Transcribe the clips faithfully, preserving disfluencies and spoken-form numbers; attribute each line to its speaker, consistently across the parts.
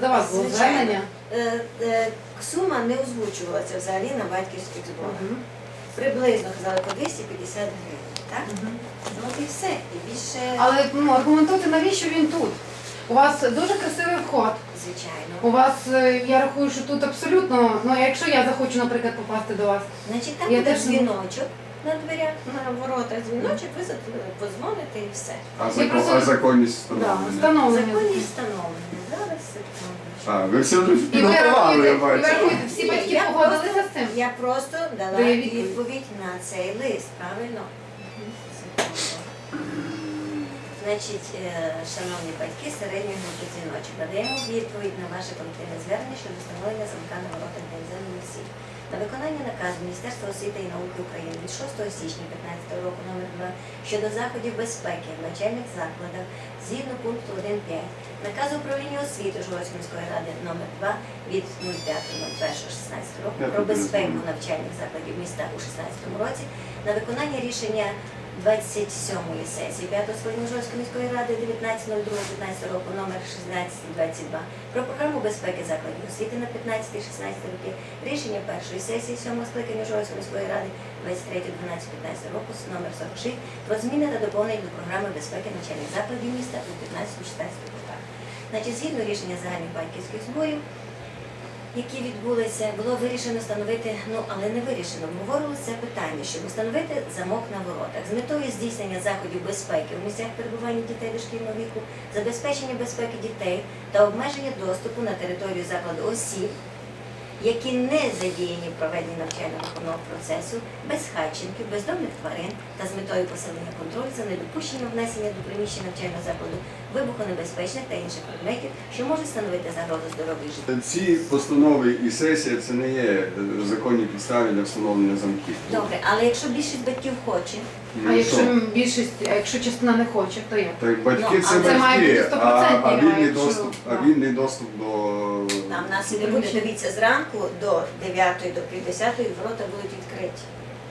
Speaker 1: до вас було звернення?
Speaker 2: Е, е, Сума не озвучувалася взагалі на батьківських зборах.
Speaker 1: Мгм.
Speaker 2: Приблизно казали по двісті п'ятдесят гривень, так?
Speaker 1: Мгм.
Speaker 2: Ну і все. І більше,
Speaker 1: Але ну, аргументуйте, навіщо він тут? У вас дуже красивий вход.
Speaker 2: звичайно.
Speaker 1: У вас, е, я рахую, що тут абсолютно, ну якщо я захочу, наприклад, попасти до вас,
Speaker 2: Значить, там
Speaker 1: Я
Speaker 2: буде
Speaker 1: теж не-
Speaker 2: дзвіночок на дверях, на воротах дзвіночок, ви за- подзвоните і все.
Speaker 3: А,
Speaker 1: Я
Speaker 3: закон,
Speaker 1: просто-
Speaker 3: а законність
Speaker 1: да,
Speaker 3: встановлення?
Speaker 1: встановлення.
Speaker 2: Законі встановлені. Зараз секунду.
Speaker 3: А, ви все вже
Speaker 1: І ви
Speaker 3: підготували,
Speaker 1: рахуєте,
Speaker 3: я
Speaker 1: і ви
Speaker 3: бачу.
Speaker 1: рахуєте, всі батьки
Speaker 2: Я
Speaker 1: погодилися
Speaker 2: просто-
Speaker 1: з цим?
Speaker 2: Я просто дала
Speaker 1: Дає відповідь.
Speaker 2: відповідь на цей лист, правильно? Секунду. Значить, е, шановні батьки середньої групи дзвіночок, надаємо відповідь на ваше колективне звернення щодо встановлення замка на воротах для іноземних осіб. На виконання наказу Міністерства освіти і науки України від шостого січня п'ятнадцятого року номер два щодо заходів безпеки в навчальних закладах згідно пункту один п'ять наказу управління освіти Ужгородської міської ради номер два від нуль п'ятого нуль першого шістнадцятого року
Speaker 3: Я
Speaker 2: про
Speaker 3: тут
Speaker 2: безпеку
Speaker 3: розумію.
Speaker 2: навчальних закладів міста у шістнадцятому році на виконання рішення двадцять сьомої сесії п'ятого скликання Ужгородської міської ради дев'ятнадцяте нуль друге п'ятнадцятого року номер шістнадцять двадцять два про програму безпеки закладів освіти на п'ятнадцяте-шістнадцяте роки, рішення першої сесії сьомого скликання Ужгородської міської ради двадцять третє дванадцяте п'ятнадцятого року номер сорок шість про зміни та доповнення до програми безпеки навчальних закладів міста у п'ятнадцятому-шістнадцятому роках. Значить, згідно рішення загальних батьківських зборів, які відбулися, було вирішено встановити, ну але не вирішено, обговорювалося це питання, щоб встановити замок на воротах з метою здійснення заходів безпеки в місцях перебування дітей дошкільного віку, забезпечення безпеки дітей та обмеження доступу на територію закладу осіб, які не задіяні в проведенні навчально-виховного процесу, безхатченків, бездомних тварин та з метою посилення контролю за недопущенням внесення до приміщення навчального закладу вибухонебезпечних та інших предметів, що можуть становити загрозу здоров'ю і життю.
Speaker 3: Ці постанови і сесія це не є е, законні підстави для встановлення замків.
Speaker 2: Добре, але якщо більшість батьків хоче,
Speaker 3: Ну,
Speaker 1: А
Speaker 3: що?
Speaker 1: якщо більшість, а якщо частина не хоче, то як?
Speaker 3: Так батьки
Speaker 2: Ну,
Speaker 3: це
Speaker 2: а це
Speaker 1: має
Speaker 3: батьки,
Speaker 1: бути
Speaker 3: а,
Speaker 1: стопроцентний,
Speaker 3: а,
Speaker 1: а
Speaker 3: вільний
Speaker 1: якщо-
Speaker 3: доступ, а
Speaker 1: да.
Speaker 3: вільний доступ до...
Speaker 2: там нас і не буде, дивіться, зранку до дев'ятої, до півдесятої ворота будуть відкриті.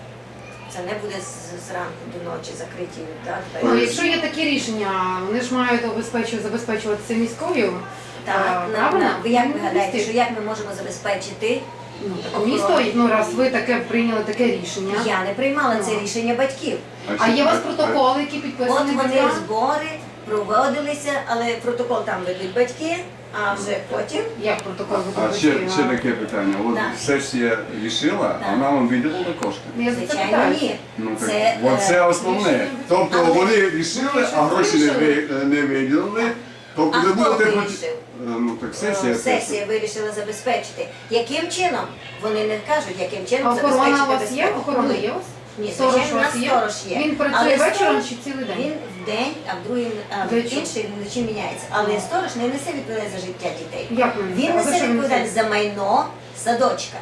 Speaker 2: Це не буде з- зранку до ночі закриті. Так,
Speaker 1: Ну,
Speaker 2: двері.
Speaker 1: якщо є такі рішення, вони ж мають обезпечувати, забезпечуватися міською.
Speaker 2: Так,
Speaker 1: а,
Speaker 2: на,
Speaker 1: правильно?
Speaker 2: на, ви як
Speaker 1: Ну,
Speaker 2: ви гадаєте,
Speaker 1: місті.
Speaker 2: що як ми можемо забезпечити?
Speaker 1: Ну, так місто, ну раз ви таке прийняли таке рішення.
Speaker 2: Я не приймала це
Speaker 1: Ну.
Speaker 2: рішення батьків.
Speaker 1: А
Speaker 3: ще-
Speaker 1: є у вас
Speaker 3: а-
Speaker 1: протоколи, які
Speaker 2: От
Speaker 1: підписані
Speaker 2: вони
Speaker 1: батьками?
Speaker 2: збори проводилися, але протокол там ведуть батьки, а вже потім
Speaker 1: Як протокол
Speaker 3: А
Speaker 1: ви
Speaker 3: ще,
Speaker 1: підписуєте?
Speaker 3: ще таке питання. От
Speaker 2: Да.
Speaker 3: сесія рішила,
Speaker 2: Да.
Speaker 3: а вона вам виділила кошти.
Speaker 1: Я за це
Speaker 2: звичайно
Speaker 1: питаю.
Speaker 2: ні.
Speaker 3: Ну, так,
Speaker 2: Це,
Speaker 3: от
Speaker 2: е,
Speaker 3: це основне.
Speaker 1: рішення-
Speaker 3: Тобто
Speaker 2: Але-
Speaker 3: вони рішили, а гроші не, ви- не виділили. Тобто
Speaker 2: А
Speaker 3: ви
Speaker 2: хто
Speaker 3: будете проти-
Speaker 2: вирішив?
Speaker 3: Е, Ну так сесія.
Speaker 2: Е, Сесія вирішила забезпечити. Яким чином? Вони не кажуть, яким чином
Speaker 1: А охорона у
Speaker 2: забезпечити
Speaker 1: вас є?
Speaker 2: безпеку.
Speaker 1: Охорона
Speaker 2: Ні.
Speaker 1: є у вас?
Speaker 2: Ні,
Speaker 1: Сторож
Speaker 2: звичайно,
Speaker 1: у
Speaker 2: у
Speaker 1: вас
Speaker 2: нас
Speaker 1: є?
Speaker 2: сторож є.
Speaker 1: Він працює
Speaker 2: Але
Speaker 1: вечором
Speaker 2: сторож-
Speaker 1: чи цілий день?
Speaker 2: Він в день, а в другий, а в
Speaker 1: Вечором.
Speaker 2: інший вночі міняється. Але сторож не несе відповідальність за життя дітей.
Speaker 1: Як ви
Speaker 2: Він
Speaker 1: А за
Speaker 2: несе
Speaker 1: що він
Speaker 2: відповідальність за майно садочка.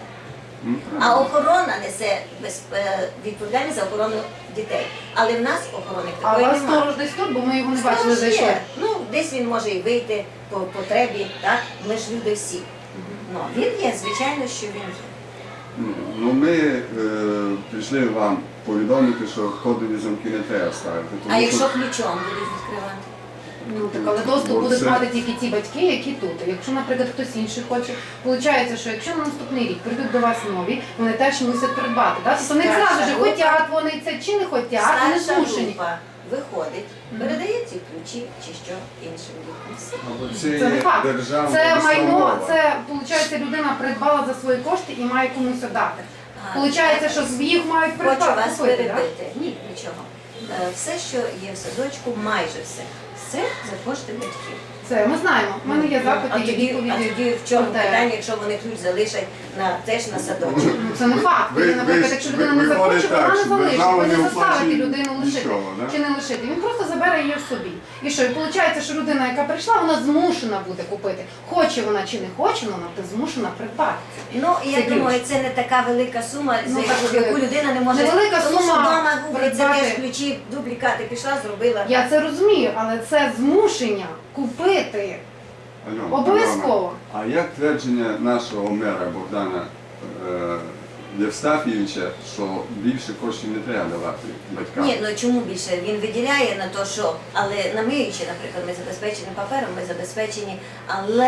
Speaker 2: А охорона несе без- е, відповідальність за охорону дітей. Але в нас охорони
Speaker 1: А у
Speaker 2: такої
Speaker 1: вас
Speaker 2: немає.
Speaker 1: сторож десь тут, бо ми його не бачили,
Speaker 2: Сторож
Speaker 1: зайшли.
Speaker 2: є. Ну, десь він може і вийти по потребі, так? Ми ж люди всі. Ну, він є, звичайно, що він є.
Speaker 3: Ну, Ну ми е, прийшли вам повідомити, що кодові замки не треба ставити.
Speaker 2: А
Speaker 3: тому
Speaker 2: якщо
Speaker 3: що-
Speaker 2: ключом будуть відкривати?
Speaker 1: Ну так, але доступ
Speaker 3: Бо
Speaker 1: будуть
Speaker 3: це-
Speaker 1: мати тільки ті батьки, які тут. А якщо, наприклад, хтось інший хоче, виходить, що якщо на наступний рік прийдуть до вас нові, вони теж мусять придбати. Так? Тобто вони
Speaker 2: Старша
Speaker 1: зразу ж
Speaker 2: група.
Speaker 1: хотять вони це чи не хотять, вони
Speaker 2: Старша
Speaker 1: змушені.
Speaker 2: група виходить,
Speaker 1: Мгм.
Speaker 2: передає ці ключі чи що іншим дітям. Все.
Speaker 3: Або
Speaker 1: Це
Speaker 3: це
Speaker 1: не факт.
Speaker 3: державна
Speaker 1: Це майно,
Speaker 3: установа.
Speaker 1: це виходить, людина придбала за свої кошти і має комусь віддати.
Speaker 2: А,
Speaker 1: Получається, що їх мають
Speaker 2: Хочу
Speaker 1: придбати.
Speaker 2: вас
Speaker 1: купити, так?
Speaker 2: перебити. Ні, нічого. Е, Все, що є в садочку, майже все. Все за кошти батьків.
Speaker 1: Це ми знаємо. У мене є
Speaker 2: Ну, а
Speaker 1: запити, є
Speaker 2: тоді, а
Speaker 1: відповіді.
Speaker 2: тоді в чому
Speaker 1: про те.
Speaker 2: питання, якщо вони ключ залишать на теж на садочок?
Speaker 1: Ну, це не факт.
Speaker 3: Ви-
Speaker 1: Він, наприклад,
Speaker 3: ви-
Speaker 1: якщо
Speaker 3: ви-
Speaker 1: людина не
Speaker 3: виходить
Speaker 1: захоче,
Speaker 3: так,
Speaker 1: вона не
Speaker 3: що
Speaker 1: залишить.
Speaker 3: держава
Speaker 1: Ви не
Speaker 3: не
Speaker 1: заставите
Speaker 3: оплачує
Speaker 1: людину лишити
Speaker 3: нічого, да?
Speaker 1: чи не лишити. Він просто забере її собі. І що? І виходить, що людина, яка прийшла, вона змушена буде купити. Хоче вона чи не хоче, вона буде змушена придбати.
Speaker 2: Ну, я
Speaker 1: Це ключ.
Speaker 2: думаю, це не така велика сума,
Speaker 1: Ну,
Speaker 2: за яку,
Speaker 1: так,
Speaker 2: яку людина не може.
Speaker 1: невелика
Speaker 2: Тому що
Speaker 1: сума
Speaker 2: вдома гуглить, це
Speaker 1: придбати.
Speaker 2: теж ключі, дублікати пішла, зробила.
Speaker 1: Я це розумію, але це змушення купити.
Speaker 3: Альона,
Speaker 1: Обов'язково.
Speaker 3: Альона, А як твердження нашого мера Богдана е, Євстафійовича, що більше коштів не треба давати батькам?
Speaker 2: Ні, ну чому більше? Він виділяє на те, що, але на миючі, наприклад, ми забезпечені папером, ми забезпечені, але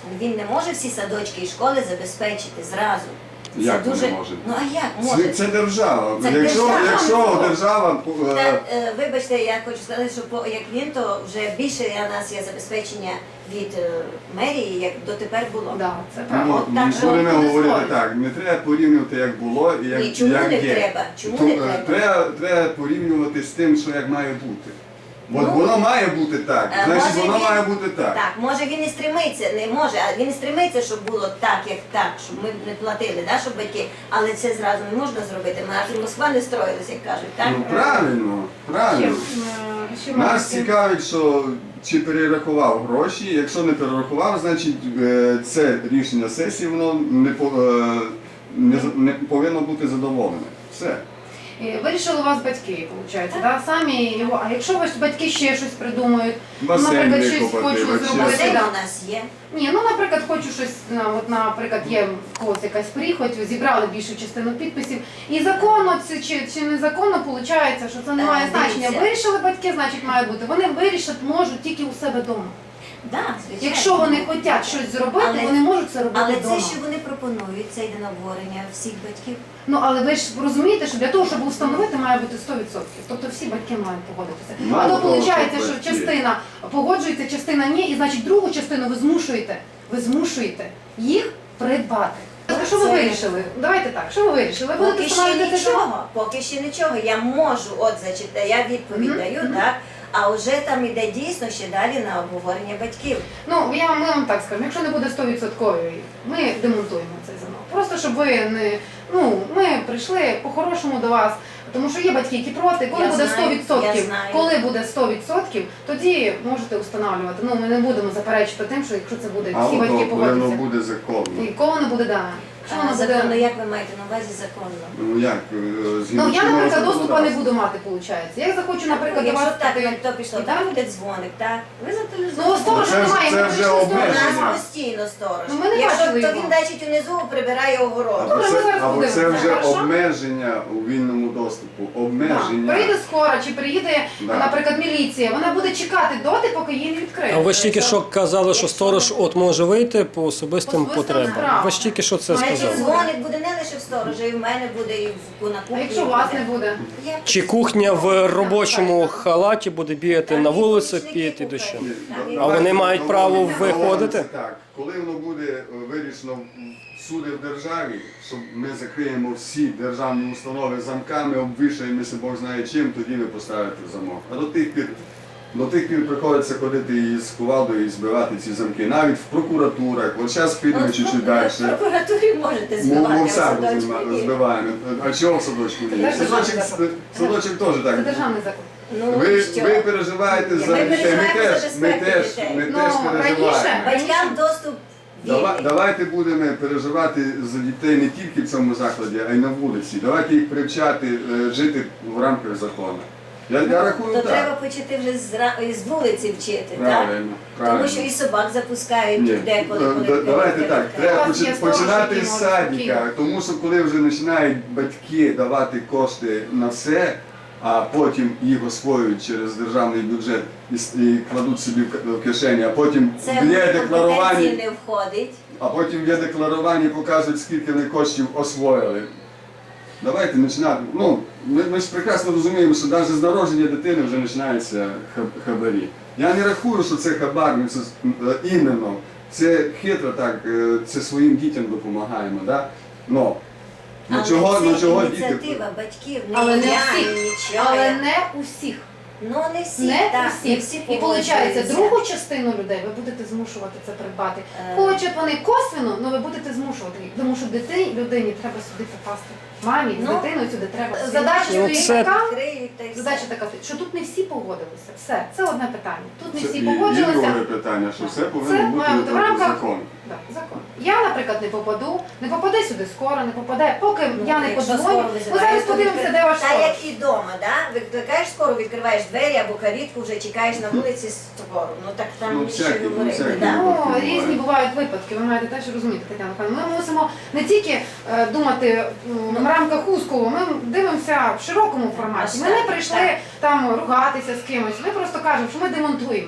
Speaker 2: він не може всі садочки і школи забезпечити зразу. Це
Speaker 3: Як
Speaker 2: дуже...
Speaker 3: не може?
Speaker 2: Ну а як
Speaker 3: Це,
Speaker 2: може?
Speaker 3: це держава.
Speaker 2: Це
Speaker 3: якщо,
Speaker 2: держава.
Speaker 3: якщо держава е,
Speaker 2: Та, е, вибачте, я хочу сказати, що по, як він, то вже більше у нас є забезпечення від е, мерії, як дотепер було.
Speaker 1: Да, це правда.
Speaker 3: ну,
Speaker 2: От так
Speaker 3: ми
Speaker 2: же
Speaker 3: будемо
Speaker 1: от
Speaker 3: говорити
Speaker 1: дозволить.
Speaker 3: так, не треба порівнювати, як було і як,
Speaker 2: Ні, чому
Speaker 3: як
Speaker 2: не
Speaker 3: є.
Speaker 2: треба? Чому
Speaker 3: То,
Speaker 2: не
Speaker 3: е,
Speaker 2: треба?
Speaker 3: треба? Треба порівнювати з тим, що як має бути. Бо
Speaker 2: Ну,
Speaker 3: воно має бути так,
Speaker 2: Е,
Speaker 3: значить
Speaker 2: може,
Speaker 3: воно
Speaker 2: він-
Speaker 3: має бути так.
Speaker 2: Так, може він і стремиться, не може, а він і стремиться, щоб було так, як так, щоб ми не платили, да, щоб батьки, але це зразу не можна зробити. Ми аж Москва не строїлась, як кажуть, так?
Speaker 3: Ну правильно, правильно.
Speaker 1: Чим, е, що
Speaker 3: Нас
Speaker 1: мають-
Speaker 3: цікавить, що чи перерахував гроші. Якщо не перерахував, значить е, це рішення сесії, воно не, по- е, не, за- не повинно бути задоволене. Все.
Speaker 1: І вирішили у вас батьки, виходить, да? Самі його. А якщо ваші батьки ще щось придумають,
Speaker 3: Басейн
Speaker 1: наприклад, щось
Speaker 3: викопати,
Speaker 1: хочуть
Speaker 3: вообще.
Speaker 1: зробити.
Speaker 2: Басейн
Speaker 1: да.
Speaker 2: у нас є.
Speaker 1: Ні, ну наприклад, хочу щось, на- от, наприклад, є в когось якась прихоть, зібрали більшу частину підписів. І законно це чи, чи незаконно виходить, що це не
Speaker 2: Е,
Speaker 1: має значення.
Speaker 2: дивіться.
Speaker 1: Вирішили батьки, значить має бути. Вони вирішити можуть тільки у себе вдома.
Speaker 2: Да, звичайно.
Speaker 1: Якщо вони хочуть щось зробити,
Speaker 2: Але-
Speaker 1: вони можуть це робити
Speaker 2: Але
Speaker 1: вдома.
Speaker 2: це, що вони пропонують, це йде на обговорення всіх батьків.
Speaker 1: Ну але ви ж розумієте, що для того, щоб встановити, має бути сто відсотків. Тобто всі батьки мають погодитися.
Speaker 3: Мало
Speaker 1: А то
Speaker 3: того,
Speaker 1: виходить,
Speaker 3: що
Speaker 1: що
Speaker 3: батьки.
Speaker 1: частина погоджується, частина ні, і значить другу частину ви змушуєте, ви змушуєте їх придбати. Тобто, що ви
Speaker 2: Це-
Speaker 1: вирішили? Давайте так, що ви вирішили? Ви будете
Speaker 2: Поки ще
Speaker 1: встановлювати це?
Speaker 2: нічого, поки ще нічого. Я можу от зачитати, я відповідь
Speaker 1: Мгм,
Speaker 2: даю,
Speaker 1: мгм.
Speaker 2: так? А вже там іде дійсно ще далі на обговорення батьків.
Speaker 1: Ну, я ми вам так скажемо, якщо не буде сто відсотків, ми демонтуємо цей замок. Просто щоб ви не. Ну, ми прийшли по-хорошому до вас, тому що є батьки, які проти. Коли
Speaker 2: Я
Speaker 1: буде
Speaker 2: знаю,
Speaker 1: сто відсотків,
Speaker 2: я знаю.
Speaker 1: коли буде сто відсотків, тоді можете встановлювати. Ну, ми не будемо заперечити тим, що якщо це буде,
Speaker 3: А
Speaker 1: всі батьки
Speaker 3: воно воно
Speaker 1: погодяться.
Speaker 3: буде законно.
Speaker 1: І коли не буде, да. Якщо
Speaker 2: А,
Speaker 1: воно
Speaker 2: законно,
Speaker 1: буде.
Speaker 2: як ви маєте на увазі законно?
Speaker 3: Ну як, е, згідно
Speaker 1: Ну, я,
Speaker 3: чинного
Speaker 1: наприклад, доступу не
Speaker 3: законодавства.
Speaker 1: буду мати, виходить. Я захочу, наприклад, до
Speaker 2: Якщо
Speaker 1: вас
Speaker 2: так,
Speaker 1: піти.
Speaker 2: то пішло,
Speaker 1: І
Speaker 2: там
Speaker 1: так?
Speaker 2: буде дзвоник, так? Ви
Speaker 1: Ну,
Speaker 2: зателефонуєте.
Speaker 1: сторож
Speaker 3: Це ж-
Speaker 1: немає,
Speaker 3: це
Speaker 1: ми
Speaker 3: вже
Speaker 1: прийшли
Speaker 2: У
Speaker 3: обмеження.
Speaker 1: сторожа.
Speaker 2: нас постійно сторож.
Speaker 1: Ну, ми не
Speaker 2: Якщо
Speaker 1: бачили
Speaker 2: то
Speaker 1: його.
Speaker 2: він значить унизу прибирає огород.
Speaker 1: Добре,
Speaker 3: Або
Speaker 1: ми
Speaker 3: це,
Speaker 1: зараз
Speaker 3: або це
Speaker 1: подивимося,
Speaker 3: вже
Speaker 1: хорошо?
Speaker 3: обмеження у вільному доступу.
Speaker 1: Так.
Speaker 3: Обмеження.
Speaker 1: Прийде скоро, чи приїде,
Speaker 3: Да.
Speaker 1: наприклад, міліція, вона буде чекати доти, поки її не відкриють.
Speaker 4: А ви ж тільки що казали, що сторож от може вийти по особистим
Speaker 1: По особистим
Speaker 4: потребам.
Speaker 1: справам.
Speaker 4: Ви ж тільки що це
Speaker 2: Значить,
Speaker 4: сказали.
Speaker 2: дзвоник буде не лише в сторожа, і в мене буде, і в на кухні.
Speaker 1: А якщо у вас не буде?
Speaker 2: Я-
Speaker 4: Чи кухня в робочому халаті буде бігати
Speaker 2: Там
Speaker 4: на
Speaker 2: і
Speaker 4: вулиці
Speaker 2: помічники
Speaker 4: піти
Speaker 2: кухарі.
Speaker 4: дощем?
Speaker 3: Ні,
Speaker 2: Там
Speaker 3: да-
Speaker 2: і-
Speaker 4: А вони
Speaker 3: давайте
Speaker 4: мають право
Speaker 3: домовимося
Speaker 4: виходити?
Speaker 3: Так, коли воно буде е, вирішено всюди в державі, що ми закриємо всі державні установи замками, обвішаємося Бог знає чим, тоді ви поставите замок. А до тих пір, до тих пір приходиться ходити із кувалдою і збивати ці замки. Навіть в прокуратурах. От зараз підемо
Speaker 2: От,
Speaker 3: чуть-чуть
Speaker 2: ну,
Speaker 3: далі.
Speaker 2: В прокуратурі можете
Speaker 3: Ми
Speaker 2: збивати,
Speaker 3: ми
Speaker 2: а
Speaker 3: в
Speaker 2: в
Speaker 3: саду
Speaker 2: садочку
Speaker 3: зима-
Speaker 2: ні.
Speaker 3: збиваємо. А чого в садочку ні?
Speaker 1: Це
Speaker 3: Садочок,
Speaker 1: державний
Speaker 3: садочок теж
Speaker 1: Це
Speaker 3: так.
Speaker 1: державний закон.
Speaker 2: Ну,
Speaker 3: Ви,
Speaker 2: що?
Speaker 3: ви переживаєте
Speaker 2: Ні,
Speaker 3: за
Speaker 2: ми
Speaker 3: дітей. Ми
Speaker 2: переживаємо за
Speaker 3: теж, ми
Speaker 2: безпеку
Speaker 3: теж,
Speaker 2: дітей.
Speaker 3: ми
Speaker 1: Ну,
Speaker 3: теж
Speaker 1: раніше-
Speaker 3: переживаємо.
Speaker 2: Батькам доступ
Speaker 3: Дава-
Speaker 2: вільний.
Speaker 3: Давайте будемо переживати за дітей не тільки в цьому закладі, а й на вулиці. Давайте їх привчати е, жити в рамках закону. Я, я рахую
Speaker 2: То
Speaker 3: так.
Speaker 2: треба почати вже з, ра- з вулиці вчити, так?
Speaker 3: Правильно, правильно.
Speaker 2: Тому що і собак запускають
Speaker 3: Ні,
Speaker 2: деколи,
Speaker 3: да-
Speaker 2: коли
Speaker 3: да- давайте так, треба
Speaker 1: У вас є
Speaker 3: почи-
Speaker 1: сторож,
Speaker 3: починати
Speaker 1: який
Speaker 3: з
Speaker 1: може
Speaker 3: садика,
Speaker 1: спокійно.
Speaker 3: тому що коли вже починають батьки давати кошти на все, а потім їх освоюють через державний бюджет і, с- і кладуть собі в к- в кишені, а потім
Speaker 2: це
Speaker 3: в
Speaker 2: в компетенції
Speaker 3: декларуванні,
Speaker 2: не входить.
Speaker 3: а потім в декларуванні показують, скільки вони коштів освоїли. Давайте починати. Ну, ми, ми ж прекрасно розуміємо, що навіть з народження дитини вже починаються хаб- хабарі. Я не рахую, що це хабар, ну, це е, іменно. Це хитро так, е, це своїм дітям допомагаємо. Да? Но, ну,
Speaker 2: Але
Speaker 3: чого,
Speaker 2: це
Speaker 3: ну, чого діти?
Speaker 2: ініціатива батьків, не
Speaker 1: Але не
Speaker 2: я,
Speaker 1: всіх.
Speaker 2: ні нічого.
Speaker 1: Але не усіх.
Speaker 2: Ну не всі,
Speaker 1: Не
Speaker 2: так, не
Speaker 1: усіх.
Speaker 2: всі
Speaker 1: І виходить,
Speaker 2: погоджуються.
Speaker 1: другу частину людей ви будете змушувати це придбати.
Speaker 2: Е.
Speaker 1: Хочуть вони косвенно, але ви будете змушувати їх. Тому що дитині, людині треба сюди попасти. Мамі з
Speaker 2: Ну,
Speaker 1: дитиною сюди треба. Задача
Speaker 4: Ну,
Speaker 1: стоїть
Speaker 4: це-
Speaker 1: така.
Speaker 2: Відкриють та й все.
Speaker 1: Задача така, що тут не всі погодилися. Все, це одне питання. Тут не
Speaker 3: Це
Speaker 1: всі
Speaker 3: і, і
Speaker 1: погодилися.
Speaker 3: друге питання, що все
Speaker 1: Це
Speaker 3: повинно бути
Speaker 1: має бути в рамках
Speaker 3: закон.
Speaker 1: Да, закон. Я, наприклад, не попаду, не попаде сюди скоро, не попаде, поки
Speaker 2: Ну,
Speaker 1: я не
Speaker 2: якщо
Speaker 1: подзвоню.
Speaker 2: скоро
Speaker 1: Ми
Speaker 2: визивають,
Speaker 1: зараз
Speaker 2: то
Speaker 1: подивимося,
Speaker 2: відкри-
Speaker 1: де ваш
Speaker 2: Та
Speaker 1: сторож.
Speaker 2: як і вдома, да? Викликаєш скоро, відкриваєш двері або калітку, вже чекаєш на вулиці скоро. Ну так там
Speaker 3: Ну,
Speaker 2: більше
Speaker 3: всякі, ну,
Speaker 2: говорити,
Speaker 3: всякі.
Speaker 2: да?
Speaker 1: Ну,
Speaker 3: Буває.
Speaker 1: різні бувають випадки, ви маєте теж розуміти, Тетяна Михайлівна. Ми мусимо не тільки е, думати м, в рамках узкого, ми дивимося в широкому форматі. Ми не
Speaker 2: Так,
Speaker 1: прийшли
Speaker 2: так.
Speaker 1: там ругатися з кимось, ми просто кажемо, що ми демонтуємо.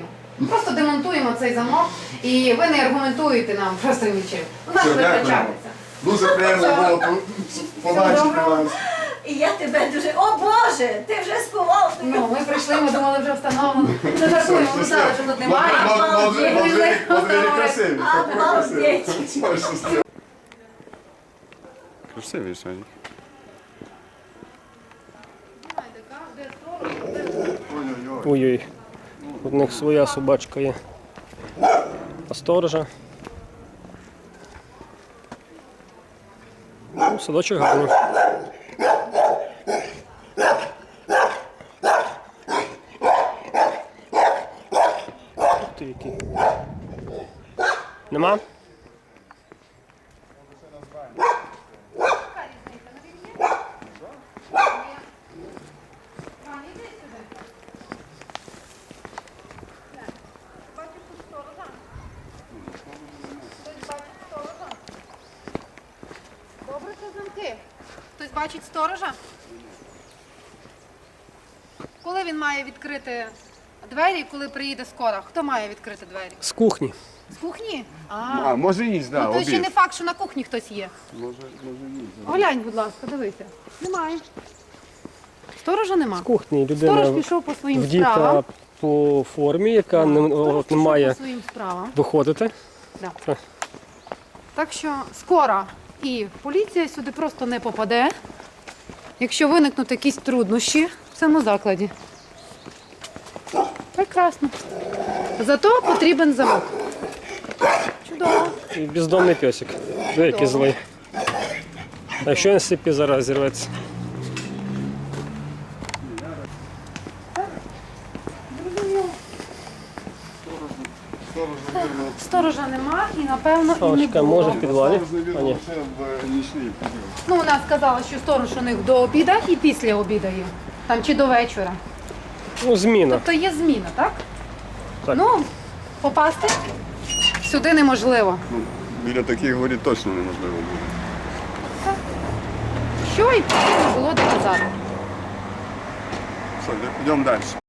Speaker 1: Просто демонтуємо цей замок і ви не аргументуєте нам просто нічим. У нас
Speaker 3: Все, дякуємо.
Speaker 1: витрачається.
Speaker 3: Дуже приємно було по- побачити
Speaker 1: доброго.
Speaker 3: вас.
Speaker 2: І я тебе дуже. О Боже! Ти вже сховав.
Speaker 1: Ну, ми прийшли, ми думали вже встановлено. Не жартуємо, ми знали, що тут немає.
Speaker 3: Модвері красиві.
Speaker 2: Обалдеть.
Speaker 3: Красиві сьогодні. Ой-ой-ой.
Speaker 4: Ой-ой. У них своя собачка є. А сторожа. Ну, садочок гарний. Ух ти який. Нема?
Speaker 1: Добре, що замки. Хтось бачить сторожа? Коли він має відкрити двері, коли приїде скора? Хто має відкрити двері?
Speaker 4: З кухні.
Speaker 1: З кухні? А,
Speaker 3: А, може їсть, да,
Speaker 1: ну то ще не
Speaker 3: обід.
Speaker 1: факт, що на кухні хтось є.
Speaker 3: Може, може їсть.
Speaker 1: Глянь, будь ласка, дивися. Немає. Сторожа нема.
Speaker 4: З кухні
Speaker 1: Сторож
Speaker 4: людина
Speaker 1: пішов по своїм
Speaker 4: вдіта
Speaker 1: справам.
Speaker 4: по формі, яка не,
Speaker 1: Сторож
Speaker 4: от, не
Speaker 1: пішов
Speaker 4: має
Speaker 1: по своїм справам.
Speaker 4: виходити.
Speaker 1: Да.
Speaker 4: Так.
Speaker 1: Так що скоро і поліція сюди просто не попаде, якщо виникнуть якісь труднощі в цьому закладі. Прекрасно. Зато потрібен замок. Чудово.
Speaker 4: І бездомний песик. Диви, який злий. А якщо він сипі зараз зірветься?
Speaker 1: Сторожа нема і, напевно, і не
Speaker 4: Паличка
Speaker 1: було.
Speaker 4: може в підвалі? А ні.
Speaker 3: Це в нічний підйом.
Speaker 1: Ну, вона сказала, що сторож у них до обіда і після обіда є. Там чи до вечора.
Speaker 4: Ну, зміна.
Speaker 1: Тобто є зміна, так?
Speaker 4: Так.
Speaker 1: Ну, попасти сюди неможливо.
Speaker 3: Ну, біля таких воріт точно неможливо буде.
Speaker 1: Що і потрібно було доказати.
Speaker 3: Все, йдемо далі.